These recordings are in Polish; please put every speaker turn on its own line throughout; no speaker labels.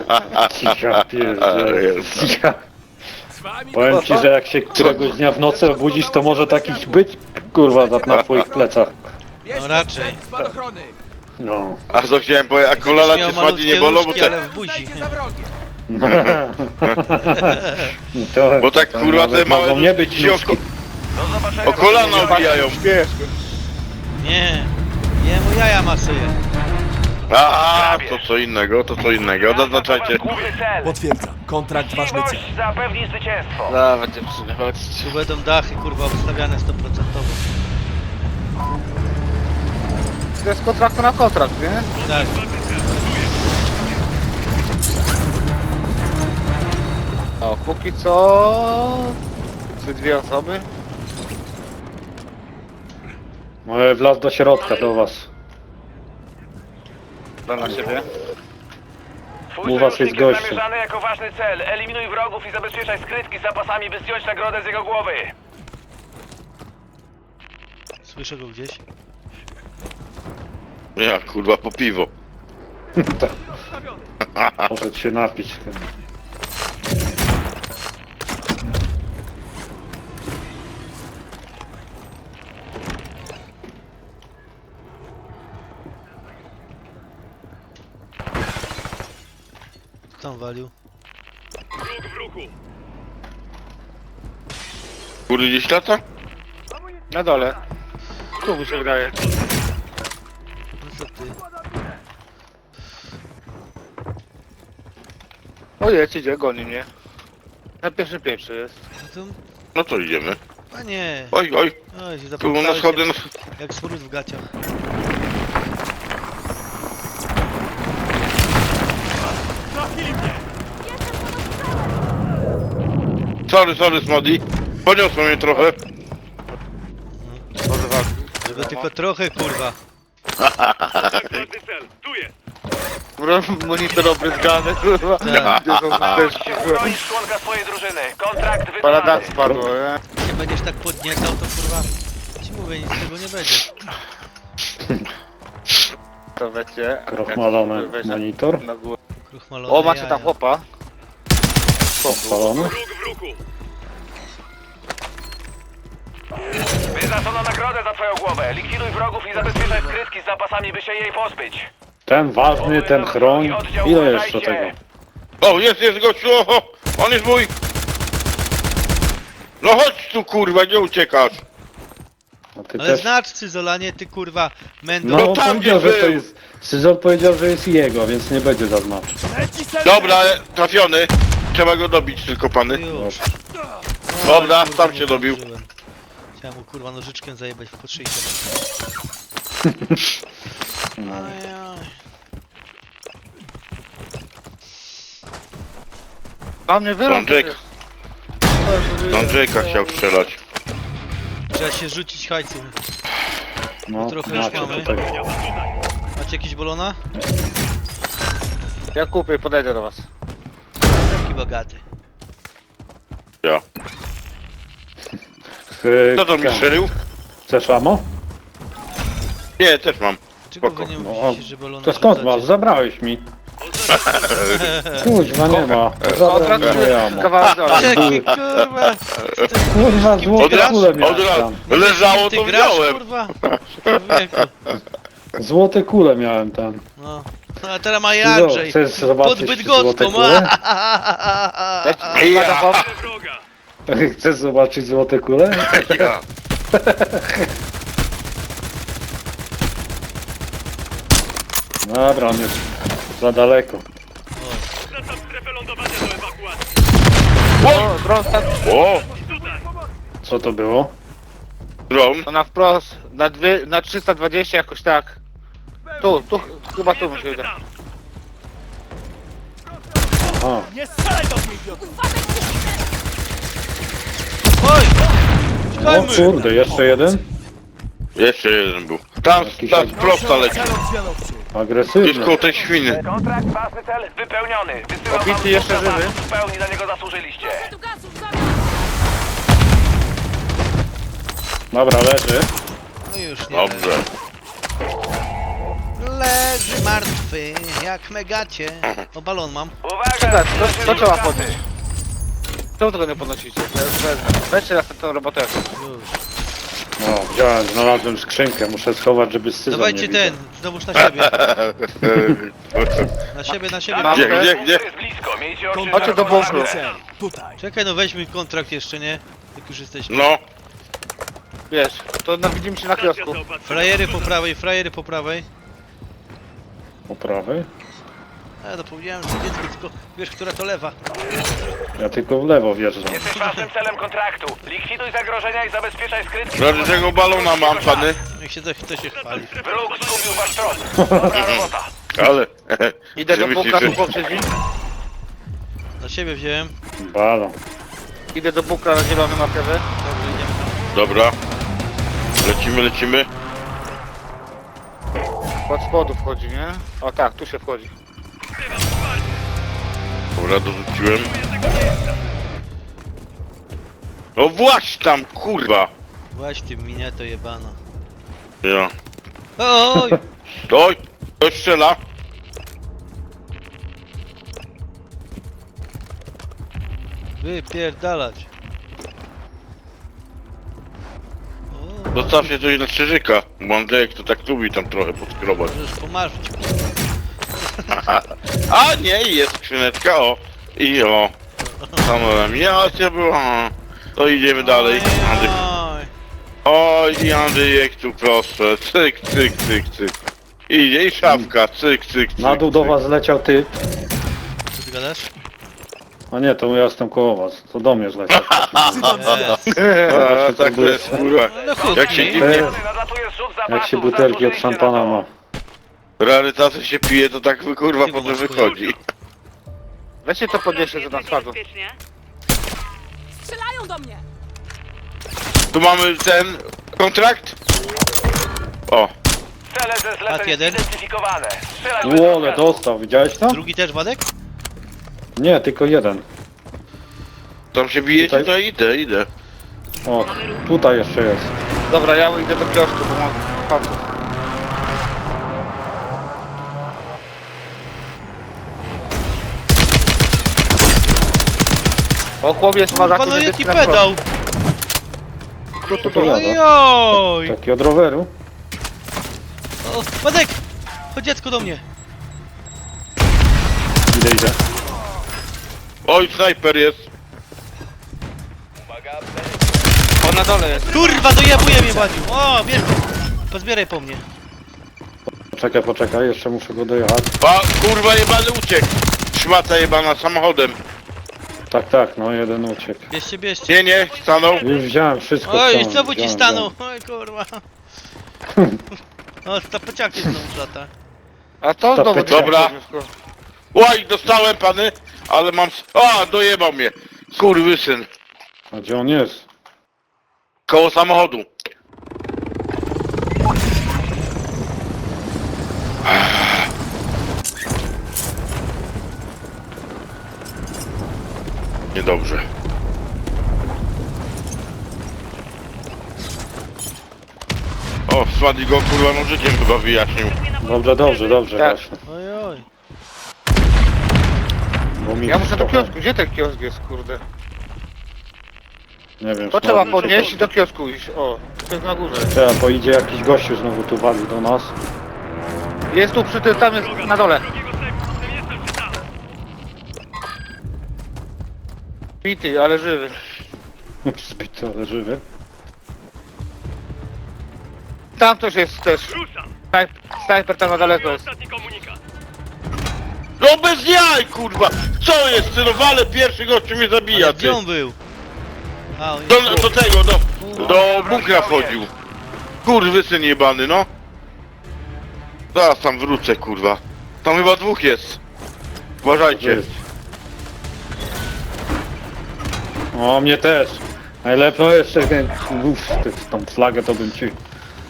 Ja pierdolę. Ja. Powiem ci, że jak się któregoś dnia w nocy obudzisz, to może takich być, kurwa, na twoich plecach.
No raczej.
No.
A co chciałem powiedzieć, a kolana cię spadnie nie bolą, bo
ale
tak,
w buzi.
To,
bo tak
to
kurwa te
nawet
małe
mogą nie być
się
nóżki.
o kolana obijają.
Nie. Jemu jaja masuje.
A, to co innego, to co innego, zaznaczajcie.
Główny cel.
Potwierdzam. Kontrakt ważny cel.
Miłość zapewni zwycięstwo.
Dawaj dziewczyny, chodź.
Tu będą dachy kurwa obstawiane 100%.
To jest kontrakt na kontrakt, nie?
Tak.
O, póki co... Czy dwie osoby?
Może wlazł do środka, do was.
Dla na siebie.
Twój
U was jest
sojusznik
gościu.
zamierzany jako ważny cel. Eliminuj wrogów i zabezpieczaj skrytki z zapasami, by zdjąć nagrodę z jego głowy.
Słyszę go gdzieś.
Ja kurwa po piwo.
Może się napić.
Kto tam walił?
Kurde gdzieś lata?
Na dole. Tu mi się wydaje.
No co ty?
O jedź, idzie, goni mnie. Na pierwszym piętrze jest.
No to...
No to idziemy.
A nie.
Oj, oj,
Oj, się
tu na
zapomniałeś
schody, no.
jak smród w gaciach.
Sorry Smody. Poniosło mnie trochę.
Może walki.
Żeby tylko trochę kurwa.
Monitor obryzgany, kurwa.
Tak.
Gdzie są apteczki, kurwa.
Bronisz członka swojej drużyny. Kontrakt
Paradak
wykonany.
spadło, nie?
Jak będziesz tak podniecał, to kurwa... Ci mówię, nic z tego nie będzie.
To wiecie.
Krochmalony
Weź na-
monitor.
na górę.
Kruchmalone
O, macie
jaja.
tam chłopa.
Spalony.
Wyznaczono nagrodę za twoją głowę. Likwiduj wrogów i zabezpieczaj skrytki z zapasami, by się jej pozbyć.
Ten ważny, ten chroń. Ile jeszcze tego?
O, jest gościu, oho, on jest mój. No chodź tu kurwa, nie uciekasz.
A ty
Ale
też.
znacz Cyzolanie, ty kurwa mendo.
No,
tam
powiedział,
gdzie
że to
był.
jest. Syzor powiedział, że jest jego, więc nie będzie zaznaczył.
Dobra, trafiony. Trzeba go dobić tylko pany.
Już.
Dobra,
Kurwa,
tam
nie
się dobił.
zdążyłem. Chciałem mu kurwa nożyczkiem zajebać w podszyjkę. Ajaj.
A mnie wyrąb.
Don Jake'a chciał strzelać.
Trzeba się rzucić hajcem.
No,
trochę już
macie
mamy.
tutaj.
Macie jakiś bolona?
Ja kupię i podejdę do was.
Taki bogaty.
Ja. Kto to mi strzelił?
Chcesz amo?
Nie, też mam.
Czego
Spoko.
wy nie
No,
mówicie, że bolona
to skąd
rzucacie?
masz? Zabrałeś mi. Kuźwa, nie ma. Zabrałem moje amo.
Kawałek dole.
Jaki kurwa!
Kurwa,
Od
złote
razu,
kule
od
miałem
razu.
tam.
Leżało
Ty
to
grasz
wziąłem.
kurwa? Człowieku.
Złote kule miałem tam.
No. A teraz ma Andrzej.
Chcesz
Pod
zobaczyć złote
Bydgoską.
kule?
Ja.
Chcesz zobaczyć złote kule?
Ja.
Dobra, on jest za daleko.
O, dron tak.
O,
Co to było?
dron.
To na wprost. Na 320 jakoś tak. Tu, chyba tu musi być.
A,
Oj!
o
Uciekajmy!
kurde, jeszcze jeden?
Jeszcze jeden był. Tam, tam prosta leci. Jest
Agresywny.
koło tej świny.
Kontrakt ważny cel wypełniony. Wysyłam
Obity
wam
jeszcze
dużo
żywy.
zapasów, w pełni na niego zasłużyliście.
Dobra, leży.
No już nie.
Dobrze.
leży martwy, jak megacie. O, balon mam.
Uwaga!
Czekaj, to trzeba podnieść. Czemu tego nie podnosicie? Ja już wezmę. Weźcie raz tę robotę.
Już.
No, wziąłem, znalazłem skrzynkę, muszę schować, żeby scyzor nie
Dawajcie
widział.
ten, znowuż na siebie. Na siebie.
Mam
Gdzie,
też.
gdzie, gdzie?
Jest blisko, miejcie oczy
Chodźcie do bunkru.
Ważny cel. Tutaj.
Czekaj, no weźmy kontrakt jeszcze, nie? Jak już jesteśmy.
No,
Wiesz, to widzimy się na kiosku.
Frajery po prawej.
Po prawej?
A, zapomniałem, że dziecko, tylko wiesz, która to lewa.
Ja tylko w lewo wjeżdżam.
Jesteś ważnym celem kontraktu. Likwiduj zagrożenia i zabezpieczaj skrytki.
prawie tego balona mam, pany.
Niech się to się chwali.
Wróg zgubił wasz tron. Dobra robota.
Ale...
Idę do
że
bunkra, tu
myślisz, że-
poprzedzi.
Na siebie wziąłem.
Balon.
Idę do bunkra na zielonym markerze.
Dobrze, idziemy tam.
Dobra. Lecimy.
Od spodu wchodzi, nie? O tak, tu się wchodzi.
Dobra, dorzuciłem. No właśnie tam, kurwa.
Właśnie ty mnie to jebano.
Ja.
Oj!
Oj, ktoś strzela.
Wypierdalać. O,
Zostawcie coś na krzyżyka. Bo Andrzejek to tak lubi tam trochę podskrobać.
możesz pomarzyć.
A nie, jest skrzyneczka, o. I o. Samo laminacja była. To idziemy dalej. Andrzej.
Oj.
Oj, i Andrzejek tu proszę. Cyk. Idzie i szafka. Cyk.
Na dół do was zleciał ty.
Co ty gadasz?
A nie, to ja jestem koło was. To do mnie zleciał.
Jest.
A, tak to jest, kurwa.
No chłopcy.
Jak się dziwnie
Nadlatuje zrzut zapasów.
Jak się butelki od
Zasłużyliście
szampana
na to.
ma.
rarytasy się pije, to tak kurwa
Ty
potem
masz,
wychodzi.
Weźcie to podnieście, co tam spadło.
Strzelają do mnie!
Tu mamy ten kontrakt. O,
Cele ze
Mat
zleceń
jeden.
zidentyfikowane. Strzelać bez
Łole,
rozkazu.
dostał, widziałeś to?
Drugi też Wadek?
Nie, tylko jeden.
tam się bijecie,
Tutaj?
to idę.
O, tutaj jeszcze jest.
Dobra, ja idę do kiosku, bo mam papów. O, chłopiec ma
Kurwa,
zakup
no
niebieski
jaki
na
pedał!
Co to
Oj,
gada?
oj!
Taki od roweru?
O, Wadek! Chodź dziecko do mnie!
Idę.
Oj, snajper jest.
On na dole jest.
Kurwa, dojebuje mnie Wadziu! O, bierz! Pozbieraj po mnie.
Poczekaj, jeszcze muszę go dojechać.
A kurwa jebany uciekł. Szmata jebana samochodem.
Tak, no jeden uciekł.
Bierzcie.
Nie, stanął.
Już wziąłem wszystko.
Oj,
wziąłem,
znowu ci
wziąłem,
stanął! Oj, kurwa. O, ta pociągnie znowu lata.
A to
To
znowu
pytanie.
Dobra. Oj, dostałem pany, ale mam... A, dojebał mnie. Kurwysyn.
A gdzie on jest?
Koło samochodu. Niedobrze. O, Swadi go kurwa nożykiem chyba wyjaśnił.
Dobrze,
Tak.
właśnie.
Oj, oj.
Bo mi
Ja muszę do
trochę-
kiosku. Gdzie ten kiosk jest, kurde?
Nie wiem.
To
Smadzi,
trzeba
czy
podnieść i do kiosku iść. O, to jest na górze.
Trzeba, bo idzie jakiś gościu znowu tu wali do nas.
Jest tu przy tym, tam jest na dole. Bity, ale żywy.
Zbity, ale żywy.
Tam ktoś jest też. Snajper tam na daleko jest.
No bez jaj kurwa! Co jest? Ty no wale pierwszy gościu mnie zabija,
Ale
ty.
gdzie on był? A, on jest...
Do tego, do bunkra wchodził. Kurwysyn jebany, no. Zaraz tam wrócę, kurwa. Tam chyba dwóch jest. Uważajcie.
Jest. O, mnie też. Najlepiej jeszcze ten... Uff, tą flagę to bym ci...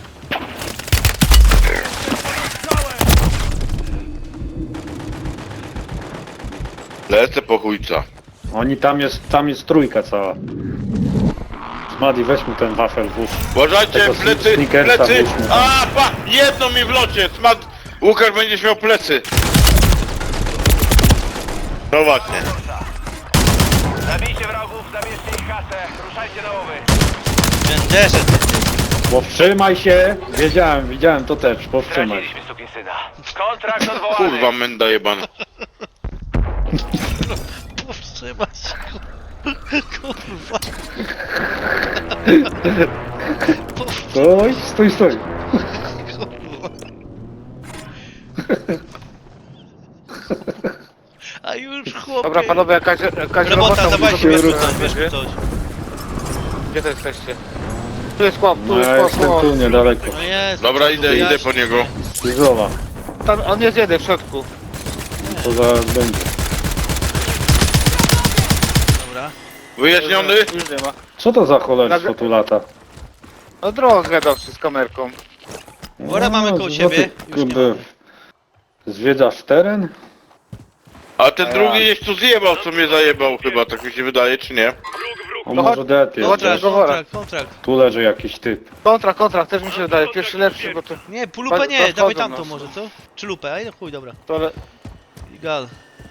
Lecę po chujca.
Oni tam jest trójka cała. Smadi, weź mu ten wafel włóż.
Uważajcie,
Tego
plecy,
sneakersa
plecy.
włóżmy.
A, pa, jedno mi w locie. Łukasz będziesz miał plecy. No właśnie.
Zabijcie wrogów, zabierzcie ich kasę. Ruszajcie na łowy.
Będerze,
Powstrzymaj się! Wiedziałem, widziałem to też, powstrzymaj się.
Straciliśmy sukinsyna. Kontrakt odwołany.
Kurwa menda jebana.
powstrzymać się. Kurwa.
Stój.
A już chłopie.
Dobra, panowie, jakaś
Robota,
robota
dawajcie,
musi
bierz
być.
coś, bierz coś.
Gdzie to jesteście? Tu jest chłop, tu
No
jest
ja
chłop,
jestem
chłop.
tu niedaleko.
No jest.
Dobra, idę po niego.
Złowa,
Tam, on jest jeden w środku.
to zaraz będzie.
Dobra.
Wyjaśniony?
Już nie ma.
Co to za cholerstwo tu lata?
No drogę gadawczy z kamerką.
Wora mamy koło
co
siebie,
ty,
już
kurde,
nie mamy.
zwiedzasz teren?
A ten drugi gdzieś tu zjebał, co mnie zajebał chyba, tak mi się wydaje, czy nie?
O,
No
może
chodź-
det
no chodź-
jest.
Kontrakt.
Tu leży jakiś typ.
Kontrakt też mi się wydaje. Pierwszy lepszy, bo to...
Nie, lupę nie,
Podchodzą
dawaj tamtą
nas.
może, co? Czy lupę? Ej, no chuj, dobra.
to ale...
Gal.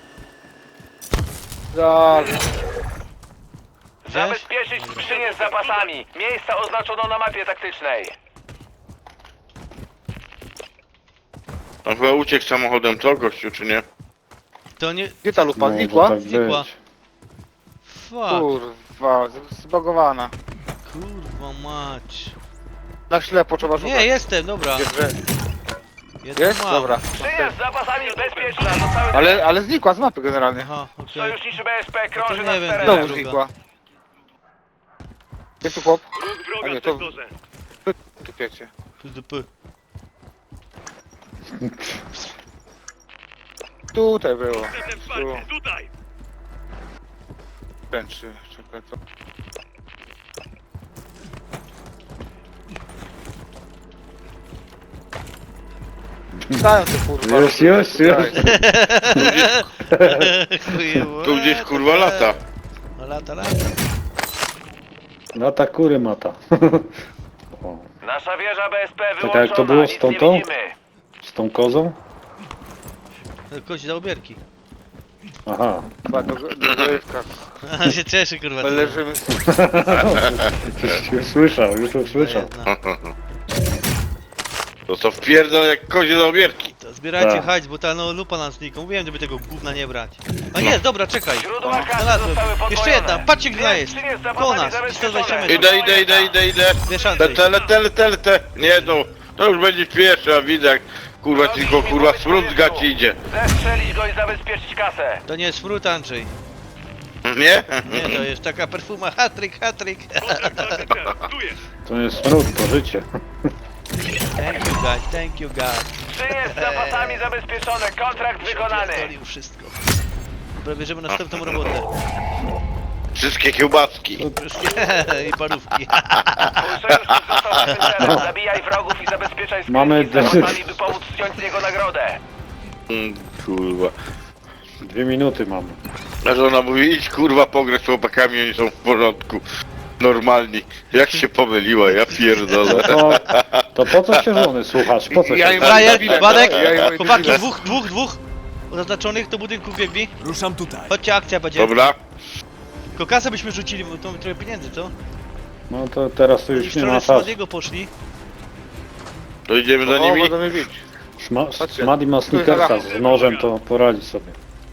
Zabezpieczyć skrzynię z zapasami. Miejsca oznaczono na mapie taktycznej.
On chyba uciekł samochodem, co gościu, czy nie?
To nie...
Gdzie ta lupa?
Może
Znikła?
tak
Znikła.
być.
Fuck.
Kurwa, zbagowana.
Kurwa mać.
Na ślepo trzeba szukać.
Nie, jestem, dobra. Jeden
Jest?
mam.
Dobra.
Skrzynia z zapasami bezpieczna. Zostały
Ale znikła z mapy generalnie.
Aha, okej.
sojuszniczy BSP
No
krąży
to
nad
nie wiem,
terenem.
Znowu znikła. Gdzie tu chłop? A nie, to... Tu piecie.
PDP.
Tutaj było. Tu. Pęczy, czekaj to. Dają te kurwa.
Już.
Chujowo.
Tu gdzieś kurwa lata.
No lata.
Lata kury mata. O,
Nasza wieża BSP
Czekaj,
wyłączona.
jak to było z
Nic
tą
nie
tą?
widzimy.
z tą kozą?
Kość za obierki.
Aha.
Chyba do grywka.
On się cieszy, kurwa.
My leżymy.
Już usłyszał.
To co wpierdol jak kozie do obierki.
To zbierajcie
Tak.
hajs, bo ta no, lupa nam znikła. Mówiłem, żeby tego gówna nie brać. A nie, dobra, czekaj.
Źródła kasy
Znalazłem.
zostały podwojone.
Jeszcze jedna, patrzcie gdzie ona jest.
Skrzynie z
Koło
zapasami
nas,
zabezpieczone.
120 metrów.
Idę.
Wiesz, Andrzej.
Lecę. Nie no, to już będzie pierwszy, a widzę jak kurwa tylko kurwa smród z gaci idzie.
Zestrzelić go i zabezpieczyć kasę.
To nie jest smród, Andrzej.
Nie?
Nie, to jest taka perfuma. Hatryk.
To nie jest smród, to życie.
Thank you God.
Skrzynie z zapasami zabezpieczone. Kontrakt wykonany.
Pierdolił wszystko. Dobra, bierzemy następną robotę.
Wszystkie kiełbaski.
Wszystkie i parówki.
Twój sojusznik został na tym celu. Zabijaj wrogów i zabezpieczaj
Mamy
skrytki z zapasami, by pomóc zdjąć z niego nagrodę.
Kurwa.
2 minuty mamy.
A żona mówi, idź kurwa pograć z chłopakami, oni są w porządku. Normalni. Jak się pomyliła, ja pierdolę.
To po co się żony słuchasz? Po co
Ja
się...
im-
Brian, Badek,
Ja im-
chłopaki, dwóch oznaczonych do budynku biegli.
Ruszam tutaj.
Chodźcie, akcja będzie.
Dobra.
Tylko kasę byśmy rzucili, bo to mi trochę pieniędzy, co?
No to teraz to
Oni
już
w
nie ma
stronę
czasu.
Smadiego poszli.
To idziemy za
O,
nimi.
będą mnie bić.
Smadi ma sneakersa z nożem, to poradzi sobie.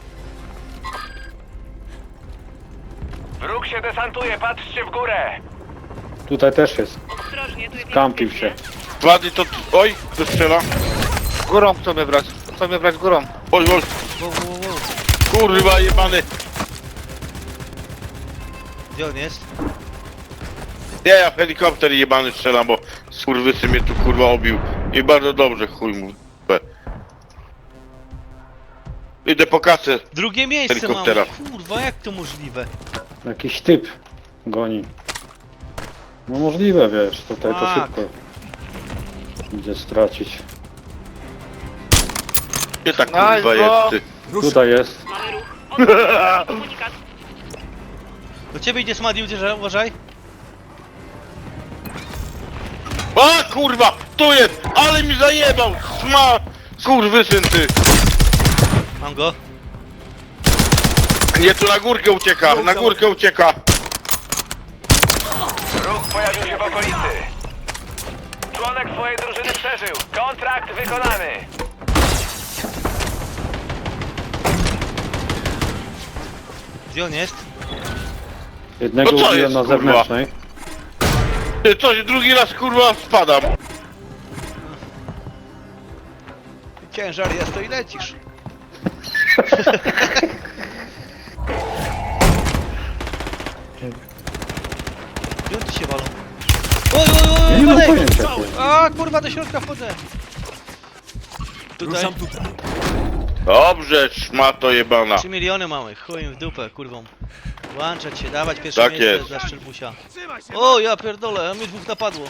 Wróg się desantuje, patrzcie w górę.
Tutaj też jest. Kampił się.
Wady to... Oj, to strzela.
Górą chcą mnie brać. Chcą mnie brać górą.
Oj.
Wow.
Kurwa jebany.
Gdzie on jest?
Ja w helikopter jebany strzelam, bo skurwysy mnie tu kurwa obił. I bardzo dobrze, chuj mu. Idę po kasę.
Drugie miejsce
Helikoptera.
mamy. Kurwa, jak to możliwe?
Jakiś typ goni. No możliwe, wiesz, tutaj to
Tak.
szybko idzie stracić.
Gdzie ta
Nice,
kurwa
bro.
jest ty?
Tutaj jest.
Do ciebie idzie Smadi, uważaj.
A kurwa! Tu jest! Ale mi zajebał! Skurwysyn ty!
Mam go.
Nie, tu na górkę ucieka, na górkę ucieka.
Ruch pojawił się w okolicy. Członek swojej drużyny przeżył. Kontrakt wykonany.
Gdzie on jest?
Jednego
No co
ubiłem
jest,
na
kurwa?
zewnętrznej.
Ty, coś, drugi raz kurwa spadam.
Ciężar jest, to i lecisz. Gdzie ty się walą? Oj, oj,
Ja
oj,
nie mam
Wadek!
pojęcia.
A, kurwa, do środka wchodzę. Tutaj
Ruszam tutaj.
Dobrze, szmato jebana.
3 miliony mamy, chuj im w dupę, kurwą. Włączać się, dawać pierwsze
Tak
miejsce
jest.
dla Szczelbusia. O, ja pierdolę, a mnie dwóch napadło.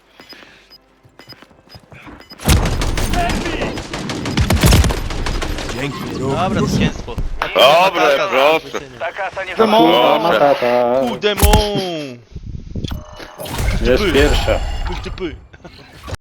Dzięki, ruch.
Dobra, zwycięstwo.
Dobre, proszę.
Ta kasa nie
Kurwa,
Proszę.
matata.
Demon!
Jest pierwsza.
Pyszty py.